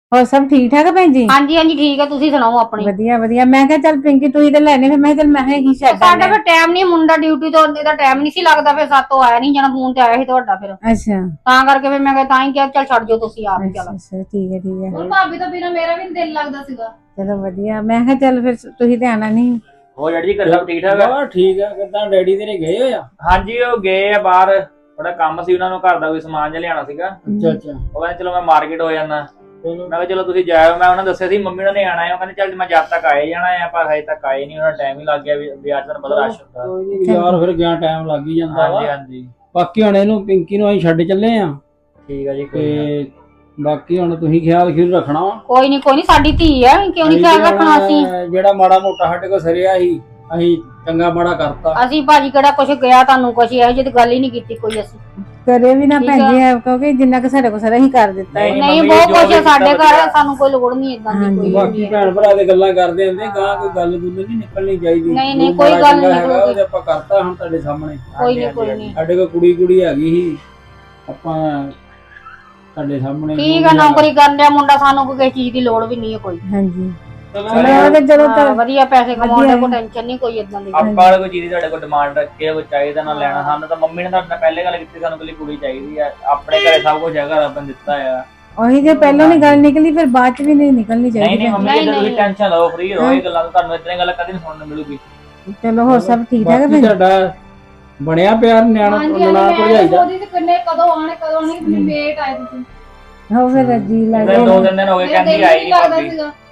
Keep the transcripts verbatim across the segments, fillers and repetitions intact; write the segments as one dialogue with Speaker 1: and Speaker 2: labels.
Speaker 1: ਹੋਰ ਸਭ ਠੀਕ ਠਾਕ ਹੈ ਭੈਣ ਜੀ?
Speaker 2: ਹਾਂਜੀ ਹਾਂਜੀ ਠੀਕ ਹੈ, ਤੁਸੀਂ ਸੁਣਾਓ ਆਪਣੀ।
Speaker 1: ਵਧੀਆ ਵਧੀਆ। ਮੈਂ ਕਿਹਾ ਚੱਲ ਪਿੰਕੀ ਤੂੰ ਇਹਦੇ ਲੈਣੇ, ਫਿਰ ਮੈਂ ਕਿਹਾ ਚੱਲ ਮੈਂ ਹੀ ਛੱਡ
Speaker 2: ਸਾਡਾ
Speaker 1: ਆਉਂਦੇ
Speaker 2: ਫਿਰ ਟਾਈਮ ਨਹੀਂ, ਮੁੰਡਾ ਡਿਊਟੀ ਤੋਂ ਆਉਂਦੇ ਦਾ ਟਾਈਮ ਨਹੀਂ ਸੀ ਲੱਗਦਾ, ਫਿਰ ਸਾਤੋਂ ਆਇਆ ਨਹੀਂ ਜਾਣਾ, ਫੋਨ ਤੇ ਆਇਆ ਸੀ ਤੁਹਾਡਾ, ਫਿਰ
Speaker 1: ਅੱਛਾ
Speaker 2: ਤਾਂ ਕਰਕੇ ਫਿਰ ਮੈਂ ਕਿਹਾ ਤਾਂ ਹੀ ਕਿਹਾ ਚੱਲ ਛੱਡ ਜਾਓ ਤੁਸੀਂ ਆਪ ਹੀ।
Speaker 1: ਅੱਛਾ
Speaker 2: ਚਲੋ
Speaker 1: ਅੱਛਾ ਠੀਕ ਹੈ ਠੀਕ ਹੈ।
Speaker 2: ਹੁਣ ਭਾਬੀ ਤੋਂ ਬਿਨਾਂ ਮੇਰਾ ਵੀ ਨੀ ਦਿਲ ਲੱਗਦਾ ਸੀਗਾ।
Speaker 1: ਚਲੋ ਵਧੀਆ। ਮੈਂ ਕਿਹਾ ਚੱਲ ਫਿਰ ਤੁਸੀਂ ਤੇ ਆਣਾ ਨਹੀਂ।
Speaker 3: ਹੋ ਡੈਡੀ ਜੀ, ਘਰ ਸਭ ਠੀਕ ਠਾਕ ਆ?
Speaker 4: ਬਾ ਠੀਕ ਆ। ਕਿੱਦਾਂ ਡੈਡੀ ਤੇਰੇ ਗਏ ਹੋਏ ਆ?
Speaker 3: ਹਾਂਜੀ ਉਹ ਗਏ ਆ ਬਾਹਰ, ਥੋੜਾ ਕੰਮ ਸੀ ਉਹਨਾਂ ਨੂੰ, ਘਰ ਦਾ ਕੋਈ ਸਮਾਨ ਜਿਹਾ ਲਿਆਉਣਾ ਸੀਗਾ।
Speaker 4: ਅੱਛਾ ਅੱਛਾ।
Speaker 3: ਉਹ ਕਹਿੰਦੇ ਚਲੋ ਮੈਂ ਮਾਰਕੀਟ ਹੋ ਜਾਂਦਾ। ਮੈਂ ਕਿਹਾ ਚਲੋ ਤੁਸੀਂ ਜਾਇਓ। ਮੈਂ ਉਹਨਾਂ ਨੂੰ ਦੱਸਿਆ ਸੀ ਮੰਮੀ ਉਹਨਾਂ ਨੇ ਆਣਾ ਹੈ, ਉਹ ਕਹਿੰਦੇ ਚੱਲ ਮੈਂ ਜਦ ਤੱਕ ਆਏ ਜਾਣਾ ਆ, ਪਰ ਹਜੇ ਤੱਕ ਆਏ ਨਹੀਂ, ਉਹਨਾਂ ਟਾਈਮ ਹੀ ਲੱਗ ਗਿਆ ਵੀ ਅੱਜ ਤੁਹਾਨੂੰ ਪਤਾ ਰਸ਼ ਹੁੰਦਾ।
Speaker 4: ਕੋਈ ਨੀ ਯਾਰ, ਫਿਰ ਗਿਆ ਟਾਈਮ ਲੱਗ ਹੀ ਜਾਂਦਾ ਵਾ।
Speaker 3: ਹਾਂਜੀ ਹਾਂਜੀ
Speaker 4: ਬਾਕੀ ਹੁਣ ਇਹਨੂੰ ਪਿੰਕੀ ਨੂੰ ਅਸੀਂ ਛੱਡ ਚੱਲੇ ਆ
Speaker 3: ਠੀਕ ਆ ਜੀ। ਕੋਈ
Speaker 4: ਤੇ ਬਾਕੀ ਹੁਣ ਤੁਸੀਂ ਖਿਆਲ ਖਿਆਲ ਰੱਖਣਾ ਵਾ।
Speaker 2: ਕੋਈ ਨਹੀਂ ਕੋਈ ਨਹੀਂ, ਸਾਡੀ ਧੀ ਆ, ਕਿਉਂ ਨਹੀਂ ਖਿਆਲ ਰੱਖਣਾ ਅਸੀਂ।
Speaker 4: ਜਿਹੜਾ ਮਾੜਾ ਮੋਟਾ ਸਾਡੇ ਕੋਲ ਸਰਿਆ ਸੀ ਅਸੀਂ ਚੰਗਾ ਮਾੜਾ ਕਰਤਾ।
Speaker 2: ਅਸੀਂ ਭਾਜੀ ਕਿਹੜਾ ਕੁਛ ਗਿਆ ਤੁਹਾਨੂੰ, ਕੁਛ ਇਹੋ ਜਿਹੀ ਗੱਲ ਹੀ ਨਹੀਂ ਕੀਤੀ ਕੋਈ ਅਸੀਂ।
Speaker 1: ਕਰੇ ਵੀ ਨਾ
Speaker 2: ਠੀਕ
Speaker 1: ਭੈਣ
Speaker 2: ਆ।
Speaker 1: ਜੀ, ਕਿਉਂਕਿ ਜਿੰਨਾ ਕਿ ਸਾਡੇ ਕੋਲ ਸਾਰਾ ਹੀ ਕਰ ਦਿੱਤਾ ਹੈ।
Speaker 3: ਨਹੀਂ,
Speaker 2: ਨਹੀਂ
Speaker 3: ਮੰਮੀ
Speaker 2: ਬਹੁਤ
Speaker 3: ਜੋ
Speaker 2: ਕੁਛ
Speaker 3: ਵੀ
Speaker 2: ਆ ਸਾਡੇ
Speaker 3: ਕੀਤਾ
Speaker 2: ਘਰ,
Speaker 3: ਵਧੀਆ।
Speaker 2: ਸਾਨੂੰ ਕੋਈ ਲੋੜ ਨਹੀਂ ਇਦਾਂ ਦੀ
Speaker 1: ਹਾਂਜੀ,
Speaker 2: ਕੋਈ
Speaker 4: ਬਾਕੀ
Speaker 2: ਨਹੀਂ।
Speaker 4: ਭੈਣ ਭਰਾ ਦੇ ਗੱਲਾਂ ਕਰਦੇ ਹੁੰਦੇ, ਗਾਂ ਕੋਈ ਗੱਲ ਗੁੱਲ ਨਹੀਂ ਨਿਕਲਣੀ ਚਾਹੀਦੀ।
Speaker 2: ਨਹੀਂ, ਨਹੀਂ,
Speaker 4: ਜੋ
Speaker 2: ਕੋਈ
Speaker 4: ਮਾੜਾ
Speaker 2: ਗੱਲ
Speaker 4: ਚੰਗਾ
Speaker 2: ਨਹੀਂ
Speaker 4: ਹੈਗਾ
Speaker 2: ਨਿਕਲੂਗੀ।
Speaker 4: ਉਹਦੇ ਆਪਾਂ ਕਰਤਾ ਹੁਣ ਤੁਹਾਡੇ ਸਾਹਮਣੇ।
Speaker 2: ਕੋਈ ਨਹੀਂ ਕੋਈ ਨਹੀਂ।
Speaker 4: ਸਾਡੇ ਕੋਲ ਕੁੜੀ ਕੁੜੀ ਹੈਗੀ ਸੀ, ਆਪਾਂ ਤੁਹਾਡੇ ਸਾਹਮਣੇ
Speaker 2: ਠੀਕ ਆ, ਨੌਕਰੀ ਕਰਨ ਡਿਆ ਮੁੰਡਾ, ਸਾਨੂੰ ਕੋਈ ਕਿਸੇ ਚੀਜ਼ ਦੀ ਲੋੜ ਵੀ ਨਹੀਂ ਹੈ ਕੋਈ।
Speaker 1: ਹਾਂਜੀ
Speaker 3: ਚਲੋ
Speaker 1: ਚਲੋ ਉਹ ਤੇ ਜਦੋਂ
Speaker 2: ਹਾਂ,
Speaker 1: ਤੱਕ
Speaker 2: ਵਧੀਆ ਪੈਸੇ ਕਮਾਉਣ
Speaker 1: ਵਧੀਆ
Speaker 2: ਦਾ ਕੋਈ ਟੈਨਸ਼ਨ ਨਹੀਂ ਕੋਈ ਇਦਾਂ ਦੀ।
Speaker 3: ਆਪਾਂ ਵਾਲੇ ਕੋਈ ਚੀਜ਼ ਤੁਹਾਡੇ ਕੋਲ ਡਿਮਾਂਡ ਰੱਖੀ ਆ, ਕੋਈ ਚਾਹੀਦਾ ਨਾ ਲੈਣਾ। ਸਾਨੂੰ ਤਾਂ ਮੰਮੀ ਨੇ ਤੁਹਾਡੇ ਨਾਲ ਪਹਿਲੇ ਗੱਲ ਕੀਤੀ, ਸਾਨੂੰ ਕੱਲੀ ਕੁੜੀ ਚਾਹੀਦੀ ਆ। ਆਪਣੇ ਘਰੇ ਸਭ ਕੁਝ ਹੈਗਾ, ਰੱਬ ਨੇ ਦਿੱਤਾ ਆ।
Speaker 1: ਉਹੀ ਜੇ ਪਹਿਲਾਂ ਨਹੀਂ ਗੱਲ ਨਿਕਲੀ, ਫਿਰ ਬਾਅਦ ਚ ਵੀ ਨਹੀਂ ਨਿਕਲਣੀ
Speaker 3: ਨਹੀਂ
Speaker 1: ਚਾਹੀਦੀ।
Speaker 3: ਨਹੀਂ ਮੰਮੀ
Speaker 2: ਨਹੀਂ,
Speaker 3: ਜੀ ਤੁਸੀਂ
Speaker 2: ਨਹੀਂ।
Speaker 3: ਟੈਨਸ਼ਨ ਲਓ, ਫ੍ਰੀ ਰਹੋ। ਇਹ ਗੱਲਾਂ ਤੁਹਾਨੂੰ ਇਤਨੇ ਗੱਲਾਂ ਕਦੇ ਨਹੀਂ ਸੁਣਨ ਨੂੰ ਮਿਲੂਗੀ।
Speaker 1: ਚਲੋ ਹੋਰ ਸਭ ਠੀਕ ਠਾਕ ਹੈ
Speaker 4: ਬਾਕੀ
Speaker 1: ਭੈਣ ਜੀ?
Speaker 4: ਤੁਹਾਡਾ ਬਣਿਆ ਪਿਆਰ ਨਿਆਣਾ ਨਨਾਣ ਭਰਜਾਈ ਦਾ?
Speaker 2: ਉਹਦੀ ਤੇ ਕਿੰਨੇ ਕਦੋਂ ਆਣੇ ਕਦੋਂ ਆਣੇ ਕਿੰਨੀ ਵੇਟ ਆਏ ਤੁਸੀਂ।
Speaker 1: ਹੋ ਫਿਰ ਜੀ ਲੱਗ
Speaker 3: ਇਹਦੇ ਦੋ ਤਿੰਨ ਦਿਨ ਹੋ ਗਏ ਕਹਿੰਦੀ ਆਈ ਨਹੀਂ ਭਾਬੀ।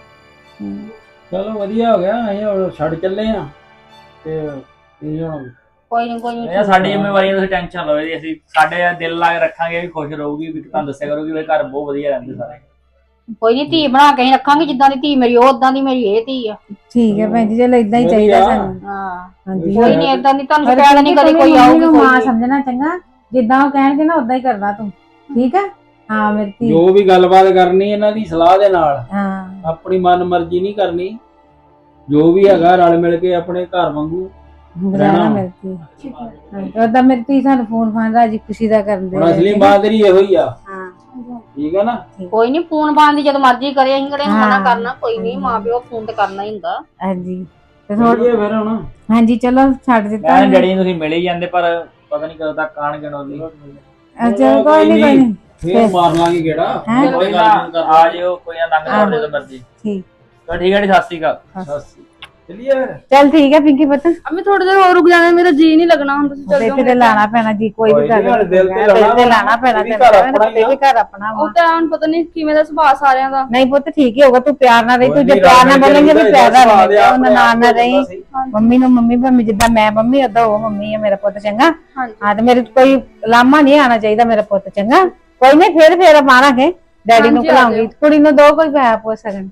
Speaker 4: ਚਲੋ ਵਧੀਆ ਹੋ ਗਿਆ। ਅਸੀਂ ਹੁਣ ਛੱਡ ਚੱਲੇ ਆ ਤੇ ਇਹ ਹੁਣ
Speaker 2: ਕੋਈ ਨਹੀਂ ਕੋਈ
Speaker 3: ਇਹ
Speaker 2: ਨਹੀਂ।
Speaker 3: ਸਾਡੀ ਜ਼ਿੰਮੇਵਾਰੀ ਹੈ, ਤੁਸੀਂ ਟੈਨਸ਼ਨ ਲਓ ਜੀ। ਅਸੀਂ ਸਾਡੇ ਦਿਲ ਲਾ ਕੇ ਰੱਖਾਂਗੇ, ਵੀ ਖੁਸ਼ ਰਹੂਗੀ, ਵੀ ਤੁਹਾਨੂੰ ਦੱਸਿਆ ਕਰੂਗੀ ਵੀ ਘਰ ਬਹੁਤ ਵਧੀਆ ਰਹਿੰਦੇ ਸਾਰੇ।
Speaker 2: ਕੋਈ ਨਹੀਂ, ਧੀ ਬਣਾ ਕੇ ਹੀ ਰੱਖਾਂਗੇ, ਜਿੱਦਾਂ ਦੀ ਧੀ ਮੇਰੀ ਉਹ ਉਦਾਂ ਦੀ ਮੇਰੀ ਇਹ ਧੀ ਆ।
Speaker 1: ਠੀਕ ਹੈ ਭੈਣ ਜੀ, ਚਲੋ ਇਦਾਂ ਹੀ ਚਾਹੀਦਾ
Speaker 4: ਵਧੀਆ।
Speaker 1: ਸਾਨੂੰ।
Speaker 2: ਹਾਂ
Speaker 1: ਹਾਂਜੀ
Speaker 2: ਕੋਈ ਨਹੀਂ, ਇਦਾਂ ਦੀ ਤੁਹਾਨੂੰ
Speaker 1: ਪਰ
Speaker 2: ਸ਼ਿਕਾਇਤ ਨਹੀਂ ਕਦੇ ਕੋਈ
Speaker 1: ਮੰਮੀ
Speaker 2: ਆਊਗੀ
Speaker 1: ਨੂੰ
Speaker 2: ਕੋਈ
Speaker 1: ਮਾਂ
Speaker 2: ਨਹੀਂ।
Speaker 1: ਸਮਝਣਾ ਚੰਗਾ, ਜਿੱਦਾਂ ਉਹ ਕਹਿਣਗੇ ਨਾ ਉਦਾਂ ਹੀ ਕਰਨਾ ਤੂੰ। ਠੀਕ ਹੈ? ਹਾਂ ਮੇਰੀ ਧੀ।
Speaker 4: ਜੋ ਵੀ ਗੱਲਬਾਤ ਕਰਨੀ ਇਹਨਾਂ ਦੀ ਸਲਾਹ ਦੇ ਨਾਲ,
Speaker 1: ਹਾਂ
Speaker 4: ਆਪਣੀ ਮਨ ਮਰਜ਼ੀ ਨਹੀਂ ਕਰਨੀ। ਜੋ ਵੀ ਹੈਗਾ ਰਲ ਮਿਲ ਕੇ ਆਪਣੇ ਘਰ ਵਾਂਗੂ
Speaker 1: ਰਹਿਣਾ ਮੇਰੀ ਧੀ। ਉਦਾਂ ਮੇਰੀ ਧੀ ਸਾਨੂੰ ਫੋਨ ਫਾਨ ਰਾਜੀ ਖੁਸ਼ੀ ਦਾ ਕਰਦੇ
Speaker 4: ਹੁਣ ਅਸਲੀ ਮਾਂ ਤੇਰੀ ਇਹੋ ਹੀ ਆ।
Speaker 1: ਹਾਂ
Speaker 4: ਠੀਕ ਹੈ ਨਾ?
Speaker 2: ਕੋਈ ਨਹੀਂ, ਫੋਨ ਬਾਂਦੀ ਜਦੋਂ ਮਰਜ਼ੀ ਕਰੇ, ਅਸੀਂ ਕਿਹੜੇ ਨੂੰ ਮਨਾ ਕਰਨਾ। ਕੋਈ ਨਹੀਂ, ਮਾਂ ਪਿਓ ਫੋਨ ਤੇ ਕਰਨਾ ਹੀ ਹੁੰਦਾ।
Speaker 1: ਹਾਂਜੀ ਤੇ ਥੋੜਾ
Speaker 4: ਵਧੀਆ ਫਿਰ ਹੁਣ
Speaker 1: ਹਾਂਜੀ ਚਲੋ ਛੱਡ ਦਿੱਤਾ।
Speaker 3: ਮੈਂ ਡੈਡੀ ਨੂੰ ਤੁਸੀਂ ਮਿਲ ਹੀ ਜਾਂਦੇ, ਪਰ ਪਤਾ ਨਹੀਂ ਕਦੋਂ ਤੱਕ ਆਣਗੇ ਨੋਲੀ।
Speaker 1: ਅੱਛਾ ਕੋਈ ਨਹੀਂ ਕੋਈ ਨਹੀਂ
Speaker 4: ਫੇਰ ਮਾਰ ਲਾਂਗੇ ਕਿਹੜਾ।
Speaker 1: ਹੈਂ?
Speaker 3: ਕੋਈ ਨਾ ਆ ਜਿਓ, ਕੋਈ ਨਾ ਲੰਘ ਜਾਓ ਜਦੋਂ ਮਰਜ਼ੀ।
Speaker 1: ਠੀਕ
Speaker 3: ਤਾਂ ਠੀਕ ਹੈ ਜੀ, ਸਤਿ ਸ਼੍ਰੀ ਅਕਾਲ।
Speaker 4: ਚਲਿਏ ਫਿਰ।
Speaker 1: ਚੱਲ ਠੀਕ ਹੈ ਪਿੰਕੀ ਪੁੱਤ,
Speaker 5: ਅਮੀ ਥੋੜੀ ਦੇਰ ਹੋਰ ਰੁਕ ਜਾਣਾ, ਮੇਰਾ ਜੀ ਨਹੀਂ ਲੱਗਣਾ ਹੁਣ। ਤੁਸੀਂ ਚੱਲ
Speaker 1: ਤੇ
Speaker 5: ਜਾਓ।
Speaker 1: ਤੇ ਲਾਣਾ ਪੈਣਾ ਜੀ, ਕੋਈ ਵੀ ਕਰ
Speaker 4: ਦਿਲ ਤੇ
Speaker 1: ਦਿਲ ਤੇ ਲਾਣਾ ਪੈਣਾ
Speaker 4: ਇਹ ਵੀ ਘਰ ਆਪਣਾ ਹੀ ਆ।
Speaker 1: ਇਹ ਵੀ ਘਰ ਆਪਣਾ ਵਾ।
Speaker 5: ਉਹ ਤਾਂ ਹੁਣ ਪਤਾ ਨਹੀਂ ਕਿਵੇਂ ਦਾ ਸੁਭਾਅ ਸਾਰਿਆਂ ਦਾ।
Speaker 1: ਨਹੀਂ ਪੁੱਤ ਠੀਕ ਹੀ ਹੋਗਾ, ਤੂੰ ਪਿਆਰ ਨਾਲ ਰਹੀ। ਤੂੰ ਜੇ ਪਿਆਰ ਨਾਲ ਬੋਲੇਂਗੇ ਵੀ ਪਿਆਰ ਨਾਲ ਰਹੀ, ਉਹ ਨਾਲ ਨਾ ਰਹੀ। ਮੰਮੀ ਨੂੰ ਮੰਮੀ ਭਾਵੇਂ ਜਿੱਦਾਂ ਮੈਂ ਮੰਮੀ ਓਦਾਂ ਉਹ ਮੰਮੀ ਹੈ ਮੇਰਾ ਪੁੱਤ। ਚੰਗਾ? ਹਾਂ ਤੇ ਮੇਰੇ ਕੋਈ ਲਾਮਾ ਨਹੀਂ ਆਣਾ ਚਾਹੀਦਾ ਮੇਰਾ ਪੁੱਤ। ਚੰਗਾ? ਕੋਈ ਨਹੀਂ, ਫੇਰ ਫੇਰ ਮਾਰਾਂਗੇ, ਡੈਡੀ ਨੂੰ ਖਿਲਾਉਂਗੀ, ਕੁੜੀ ਨੂੰ ਦੋ ਕੋਈ ਪੈਸਾ ਪੁੱਛ ਸਕਣ।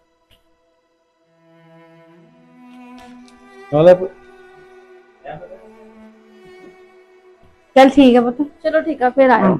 Speaker 1: ਚੱਲ ਠੀਕ ਹੈ ਪੁੱਤ।
Speaker 5: ਚਲੋ ਠੀਕ ਆ, ਫਿਰ ਆਇਓ।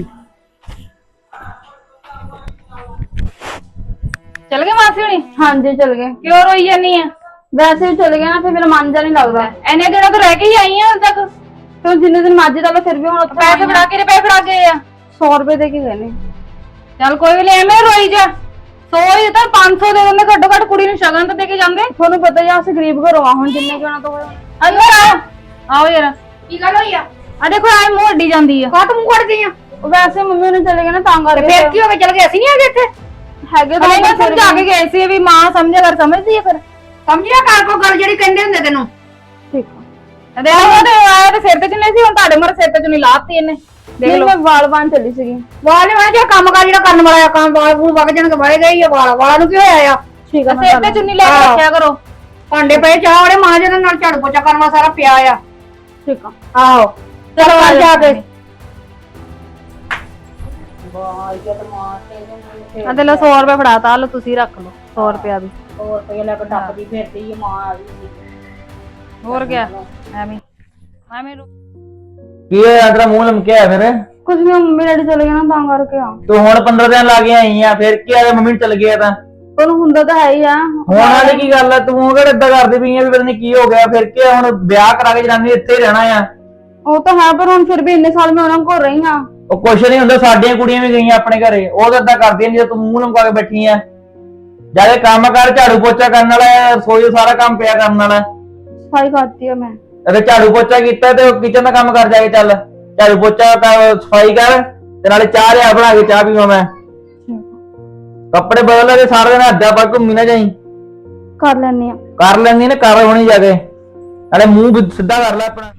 Speaker 2: ਚਲ ਗਏ ਮਾਸੀ ਹੁਣੀ?
Speaker 5: ਹਾਂਜੀ ਚਲ ਗਏ।
Speaker 2: ਕਿਉਂ ਰੋਈ ਜਾਨੀ ਆ?
Speaker 5: ਵੈਸੇ ਵੀ ਚਲੇ ਗਏ ਨਾ, ਫਿਰ ਮੇਰਾ ਮਨ ਜਾ ਨਹੀਂ ਲੱਗਦਾ।
Speaker 2: ਐਨੇ ਦਿਨਾਂ ਤੋਂ ਰਹਿ ਕੇ ਹੀ ਆਈ ਆ ਹੁਣ ਤੱਕ।
Speaker 5: ਫਿਰ ਜਿੰਨੇ ਦਿਨ ਮਰਜ਼ੀ ਲਾ ਲਓ, ਫਿਰ ਵੀ ਹੁਣ ਉੱਥੇ
Speaker 2: ਪੈਸੇ ਫੜਾ ਕੇ ਪੈਸੇ ਫੜਾ ਗਏ ਆ।
Speaker 5: ਸੌ ਰੁਪਏ ਦੇ ਕੇ ਗਏ ਨੇ।
Speaker 2: ਚੱਲ ਕੋਈ ਵੀ ਨਹੀਂ, ਐਵੇਂ ਰੋਈ ਜਾ। ਸੌ ਹੀ ਤਾਂ ਪੰਜ ਸੌ ਦੇ ਦਿੰਦੇ ਘੱਟੋ ਘੱਟ, ਕੁੜੀ ਨੂੰ ਸ਼ਗਨ ਤਾਂ ਦੇ ਕੇ ਜਾਂਦੇ।
Speaker 5: ਤੁਹਾਨੂੰ ਪਤਾ ਹੀ ਆ, ਅਸੀਂ ਗਰੀਬ ਘਰੋਂ ਆ, ਹੁਣ ਜਿੰਨੇ ਕਿਉਂ ਨਾ ਤੋਂ
Speaker 2: ਅੰਦਰ ਆਓ, ਆਓ ਯਾਰ। ਕੀ ਗੱਲ ਹੋਈ ਆ? ਆ ਦੇਖੋ ਐ ਮੂੰਹ ਅੱਡੀ ਜਾਂਦੀ ਆ। ਕਾਹ ਤੂੰ ਮੂੰਹ ਅੱਡ ਗਈ ਆ?
Speaker 5: ਵੈਸੇ ਮੰਮੀ ਨੇ ਚਲੇ ਗਏ ਨਾ, ਤਾਂ ਕਰਕੇ।
Speaker 2: ਫੇਰ ਕੀ ਹੋ ਗਿਆ? ਚਲ ਗਏ, ਅਸੀਂ ਨਹੀਂ ਹੈਗੇ ਇੱਥੇ।
Speaker 5: ਹੈਗੇ
Speaker 2: ਤਾਂ
Speaker 5: ਤਾਂ
Speaker 2: ਸਮਝਾ ਕੇ ਗਏ ਸੀ ਵੀ ਮਾਂ ਸਮਝਿਆ ਕਰ, ਸਮਝਦੀ ਆ ਫਿਰ। ਸਮਝਿਆ ਕਰ ਕੋ ਗੱਲ ਜਿਹੜੀ ਕਹਿੰਦੇ ਹੁੰਦੇ ਤੈਨੂੰ।
Speaker 5: ਠੀਕ
Speaker 2: ਆ ਦੇ ਆਹ ਤੇ ਆਇਆ ਤੇ ਸਿਰ ਤੇ ਚੁੰਨੀ ਸੀ, ਹੁਣ ਤੁਹਾਡੇ ਮਰ ਸਿਰ ਤੇ ਚੁੰਨੀ ਲਾਤੀ ਇਹਨੇ। ਦੇਖ
Speaker 5: ਨਹੀਂ,
Speaker 2: ਲਓ,
Speaker 5: ਮੈਂ ਵਾਲ ਬਾਣ ਚੱਲੀ ਸੀਗੀ।
Speaker 2: ਵਾਲ ਨਹੀਂ ਜਿਹੜਾ ਕੰਮ ਕਰ ਜਿਹੜਾ ਕਰਨ ਵਾਲਾ ਆ, ਕੰਮ ਵਾਲ ਵੂਲ ਵਗ ਜਾਣਗੇ, ਵੜੇ ਗਈ ਆ ਵਾਲਾ। ਵਾਲਾਂ ਨੂੰ ਕੀ ਹੋਇਆ ਆ?
Speaker 5: ਠੀਕ ਆ, ਮੈਂ
Speaker 2: ਸਿਰ ਤੇ ਚੁੰਨੀ ਲੈ ਕੇ ਰੱਖਿਆ ਕਰੋ। ਭਾਂਡੇ ਪਏ ਚਾਹ ਵਾਲੇ ਮਾਂ ਜਿਹਦੇ ਨਾਲ ਝਾੜੂ ਪੋਚਾ ਕਰਨ ਵਾਲਾ ਸਾਰਾ ਪਿਆ ਆ।
Speaker 5: ਠੀਕ ਆ।
Speaker 2: ਆਹੋ ਚਲੋ ਆ ਜਾ ਕੇ। ਆ ਤੇ ਲੋ ਸੌ ਰੁਪਏ ਫੜਾਤਾ, ਲੋ ਤੁਸੀਂ ਰੱਖ ਲਓ ਸੌ ਰੁਪਿਆ ਵੀ। ਸੌ ਰੁਪਏ ਲੈ ਕੇ ਟੱਪਦੀ ਫਿਰਦੀ ਮਾਂ ਆ ਗਈ। ਹੋਰ ਗਿਆ ਐਵੇਂ ਐਵੇਂ
Speaker 3: ਕੀ ਹੋਇਆ ਤੇਰਾ ਮੂੰਹ ਲਮਕਿਆ ਫਿਰ?
Speaker 5: ਕੁਝ ਨਹੀਂ, ਮੰਮੀ ਡੈਡੀ ਚਲੇ ਗਏ ਨਾ, ਤਾਂ ਕਰਕੇ ਆ।
Speaker 3: ਤੂੰ ਹੁਣ ਪੰਦਰਾਂ ਦਿਨ ਲਾ ਕੇ ਆਈ ਆ, ਫਿਰ ਕੀ ਆ ਮੰਮੀ ਨੂੰ ਚਲ ਗਿਆ ਤਾਂ?
Speaker 5: ਤੁਹਾਨੂੰ ਹੁੰਦਾ ਤਾਂ ਹੈ ਹੀ ਆ।
Speaker 3: ਹੁਣ ਵਾਲੀ ਕੀ ਗੱਲ ਆ? ਤੂੰ ਕਿਹੜਾ ਏਦਾਂ ਕਰਦੀ ਪਈ ਆ ਵੀ ਪਤਾ ਨਹੀਂ ਕੀ ਹੋ ਗਿਆ? ਫਿਰ ਕੀ ਆ, ਹੁਣ ਵਿਆਹ ਕਰਾ ਕੇ ਜਨਾਨੀ ਇੱਥੇ ਹੀ ਰਹਿਣਾ ਆ।
Speaker 5: ਉਹ ਤਾਂ ਹੈ, ਪਰ ਹੁਣ ਫਿਰ ਵੀ ਇੰਨੇ ਸਾਲ ਮੈਂ ਉਹਨਾਂ ਕੋਲ ਰਹੀ ਹਾਂ।
Speaker 3: ਉਹ ਕੁਛ ਨਹੀਂ ਹੁੰਦਾ, ਸਾਡੀਆਂ ਕੁੜੀਆਂ ਵੀ ਗਈਆਂ ਆਪਣੇ ਘਰੇ, ਉਹ ਤਾਂ ਏਦਾਂ ਕਰਦੀਆਂ ਨਹੀਂ, ਤੂੰ ਮੂੰਹ ਲਮਕਾ ਕੇ ਬੈਠੀ ਆ। ਜਾ ਕੇ ਕੰਮ ਕਰ, ਝਾੜੂ ਪੋਚਾ ਕਰਨ ਵਾਲਾ ਹੈ, ਰਸੋਈ ਦਾ ਸਾਰਾ ਕੰਮ ਪਿਆ ਕਰਨ ਵਾਲਾ।
Speaker 5: ਸਫਾਈ ਕਰਤੀ ਆ ਮੈਂ।
Speaker 3: ਅਰੇ ਝਾੜੂ ਪੋਚਾ ਕੀਤਾ ਤੇ ਕਿਚਨ ਦਾ ਕੰਮ ਕਰ ਜਾ ਕੇ, ਚੱਲ ਝਾੜੂ ਪੋਚਾ ਕਰ, ਸਫਾਈ ਕਰ, ਤੇ ਨਾਲੇ ਚਾਹ ਲਿਆ ਬਣਾ ਕੇ, ਚਾਹ ਪੀਵਾਂ ਮੈਂ। ਕੱਪੜੇ ਬਦਲ ਲੈ, ਸਾਰਾ ਦਿਨ ਹੱਦਾਂ ਪਾ ਘੁੰਮੀ ਨਾ ਜਾਈ।
Speaker 5: ਕਰ ਲੈਣੀ ਆ।
Speaker 3: ਕਰ ਲੈਂਦੀ ਨਾ, ਕਰ ਹੋਣੀ ਜਾ ਕੇ, ਨਾਲੇ ਮੂੰਹ ਵੀ ਸਿੱਧਾ ਕਰ ਲੈ ਆਪਣਾ।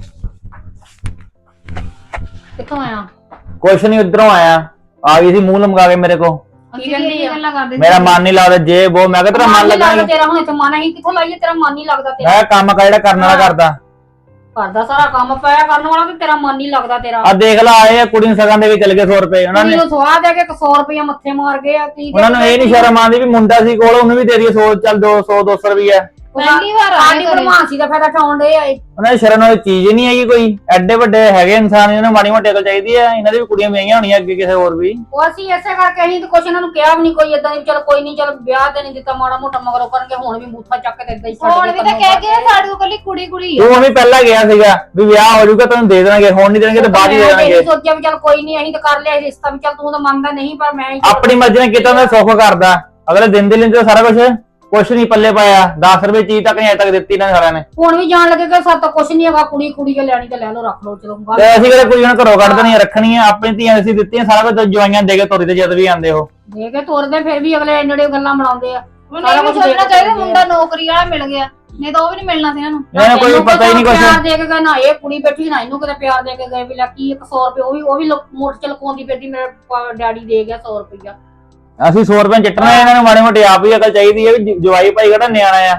Speaker 2: ਕਿੱਥੋਂ ਆਇਆ?
Speaker 3: ਕੁਛ ਨਹੀਂ, ਉਧਰੋਂ ਆਇਆ, ਆ ਗਈ ਸੀ ਮੂੰਹ ਲਮਕਾ ਕੇ ਮੇਰੇ ਕੋ।
Speaker 2: ਕੀ ਕਹਿੰਦੀ ਆ? ਗੱਲਾਂ ਕਰਦੇ
Speaker 3: ਮੇਰਾ ਮਨ ਨਹੀਂ ਲੱਗਦਾ, ਜੇ ਉਹ ਮੈਂ ਕਿਹਾ ਤੇਰਾ ਮਨ ਲੱਗਦਾ ਨੀ।
Speaker 2: ਤੇਰਾ ਹੁਣ ਇੱਥੇ ਮਨ ਹੀ ਕਿੱਥੋਂ ਲਾਈਏ? ਤੇਰਾ ਮਨ ਨਹੀਂ ਲੱਗਦਾ ਤੇਰਾ?
Speaker 3: ਮੈਂ ਕੰਮ ਕਾ ਜਿਹੜਾ ਕਰਨ ਵਾਲਾ ਕਰਦਾ,
Speaker 2: ਘਰ ਦਾ ਸਾਰਾ ਕੰਮ ਪਿਆ ਕਰਨ ਵਾਲਾ, ਤੇ ਤੇਰਾ ਮਨ ਨਹੀਂ ਲੱਗਦਾ ਤੇਰਾ।
Speaker 3: ਆ ਦੇਖ ਲਾ, ਆਏ ਆ ਕੁੜੀ ਨੂੰ ਸਗਨ ਦੇ ਵੀ ਚਲ ਗਏ ਸੌ ਰੁਪਏ ਉਹਨਾਂ ਨੇ।
Speaker 2: ਕੁੜੀ ਨੂੰ ਸਵਾਹ ਦੇ ਕੇ ਸੌ ਰੁਪਇਆ ਮੱਥੇ ਮਾਰ ਗਏ ਆ। ਕੀ
Speaker 3: ਉਹਨਾਂ ਨੂੰ ਇਹ ਨਹੀਂ ਸ਼ਰਮ ਆਉਂਦੀ ਵੀ ਮੁੰਡਾ ਸੀ ਕੋਲ, ਉਹਨੂੰ ਵੀ ਦੇ ਦਈਏ ਸੌ, ਚੱਲ ਦੋ ਸੌ ਦੋ ਸੌ ਰੁਪਇਆ।
Speaker 2: ਪਹਿਲੀ ਵਾਰ ਆਈ ਭਰਮਾਸੀ ਦਾ ਫਾਇਦਾ ਉਠਾਉਣ ਦੇ ਆਏ।
Speaker 3: ਉਹਨਾਂ ਦੀ ਸ਼ਰਮ ਵਾਲੀ ਚੀਜ਼ ਹੀ ਨਹੀਂ ਹੈਗੀ ਕੋਈ। ਐਡੇ ਵੱਡੇ ਹੈਗੇ ਇਨਸਾਨ, ਇਹਨਾਂ ਨੂੰ ਮਾੜੀ ਮੋਟੀ ਅਕਲ ਚਾਹੀਦੀ ਆ। ਇਹਨਾਂ ਦੀ ਵੀ ਕੁੜੀਆਂ ਵਿਆਹੀਆਂ ਹੋਣੀਆਂ ਅੱਗੇ ਕਿਸੇ ਹੋਰ ਵੀ।
Speaker 2: ਉਹ ਅਸੀਂ ਐਸੇ ਕਰਕੇ ਅਸੀਂ ਤੇ ਕੁਛ ਇਹਨਾਂ ਨੂੰ ਕਿਹਾ ਵੀ ਨਹੀਂ ਕੋਈ ਏਦਾਂ ਦੀ, ਚਲ ਕੋਈ ਨਹੀਂ, ਚਲ ਵਿਆਹ ਤੇ ਨਹੀਂ ਦਿੱਤਾ, ਮਾੜਾ ਮੋਟਾ ਮਗਰੋਂ ਕਰਨਗੇ। ਹੁਣ ਵੀ ਬੂਥਾ ਚੱਕ ਕੇ ਏਦਾਂ ਹੀ
Speaker 6: ਹੁਣ ਵੀ ਤਾਂ ਕਹਿ ਕੇ ਸਾਡੇ ਕੋਲ ਕੱਲੀ ਕੁੜੀ ਕੁੜੀ ਆ।
Speaker 3: ਤੂੰ ਵੀ ਪਹਿਲਾਂ ਗਿਆ ਸੀਗਾ ਵੀ ਵਿਆਹ ਹੋ ਜਾਊਗਾ ਤੈਨੂੰ ਦੇ ਦੇਣਗੇ, ਹੁਣ ਨਹੀਂ ਦੇਣਗੇ ਤੇ ਬਾਅਦ ਹੀ ਦੇ ਦੇਣਗੇ।
Speaker 2: ਸੋਚਿਆ ਵੀ ਚਲ ਕੋਈ ਨਹੀਂ, ਅਸੀਂ ਤਾਂ ਕਰ ਲਿਆ ਰਿਸ਼ਤਾ ਵੀ, ਚਲ ਤੂੰ ਤਾਂ ਮੰਨਦਾ ਨਹੀਂ, ਪਰ ਮੈਂ
Speaker 3: ਆਪਣੀ ਮਰਜ਼ੀ ਨਾਲ ਕੀਤਾ, ਮੈਂ ਸੁੱਖ ਕਰਦਾ। ਅਗਲੇ ਦਿਨ ਦੇ ਲੈਂਦੇ ਸਾਰਾ ਕੁਝ, ਕੁਛ ਨਹੀਂ ਪੱਲੇ ਪਾਇਆ। ਦਸ ਰੁਪਏ ਚੀਜ਼ ਤੱਕ ਨਹੀਂ ਅਜੇ ਤੱਕ ਦਿੱਤੀ ਇਹਨਾਂ ਸਾਰਿਆਂ ਨੇ।
Speaker 2: ਹੁਣ ਵੀ ਜਾਣ ਲੱਗੇ ਕਿ ਸਾਡਾ ਕੁਛ ਨਹੀਂ ਹੈਗਾ, ਕੁੜੀ ਕੁੜੀ ਕੇ ਲੈਣੀ ਤੇ ਲੈ ਲਓ, ਰੱਖ ਲਓ, ਚਲੋ
Speaker 3: ਤੇ ਅਸੀਂ ਕਿਹੜੇ ਕੁੜੀਆਂ ਨੂੰ ਘਰੋਂ ਕੱਢ ਦੇਣੀਆਂ, ਰੱਖਣੀਆਂ ਆਪਣੀ ਧੀਆਂ ਅਸੀਂ ਦਿੱਤੀਆਂ, ਸਾਰਾ ਕੁਝ ਜਵਾਈਆਂ ਦੇ ਕੇ ਤੋਰੀ ਤੇ ਜਦ ਵੀ ਆਂਦੇ ਉਹ
Speaker 2: ਦੇ ਕੇ ਤੋਰਦੇ, ਫਿਰ ਵੀ ਅਗਲੇ ਇੰਨੇ ਗੱਲਾਂ ਬਣਾਉਂਦੇ ਆ।
Speaker 6: ਮੈਨੂੰ ਇਹ ਵੀ ਸੋਚਣਾ ਚਾਹੀਦਾ ਮੁੰਡਾ ਨੌਕਰੀ ਵਾਲਾ ਮਿਲ ਗਿਆ, ਨਹੀਂ ਤਾਂ ਉਹ ਵੀ ਨਹੀਂ ਮਿਲਣਾ ਸੀ ਇਹਨਾਂ ਨੂੰ।
Speaker 3: ਇਹਨਾਂ ਨੂੰ ਕੋਈ ਪਤਾ ਹੀ ਨਹੀਂ ਕੁਛ।
Speaker 2: ਪਿਆਰ ਦੇ ਕੇ ਗਏ ਨਾ, ਇਹ ਕੁੜੀ ਬੈਠੀ ਨਾ ਇਹਨੂੰ ਕਿਤੇ ਪਿਆਰ ਦੇ ਕੇ ਗਏ ਵੀ ਲੈ ਕੀ ਇੱਕ ਸੌ ਰੁਪਏ, ਉਹ ਵੀ ਉਹ ਵੀ ਮੋਟਰ ਚ ਲਕਾਉਂਦੀ ਫਿਰਦੀ, ਮੇਰੇ ਡੈਡੀ ਦੇ ਗਿਆ ਸੌ ਰੁਪਇਆ।
Speaker 3: ਅਸੀਂ ਸੌ ਰੁਪਏ ਚਿੱਟਣਾ, ਇਹਨਾਂ ਨੂੰ ਮਾੜੀ ਮੋਟੀ ਆਪ ਹੀ ਅਕਲ ਚਾਹੀਦੀ ਹੈ ਵੀ ਜਵਾਈ ਭਾਈ ਕਿਹੜਾ ਨਿਆਣਾ ਆ,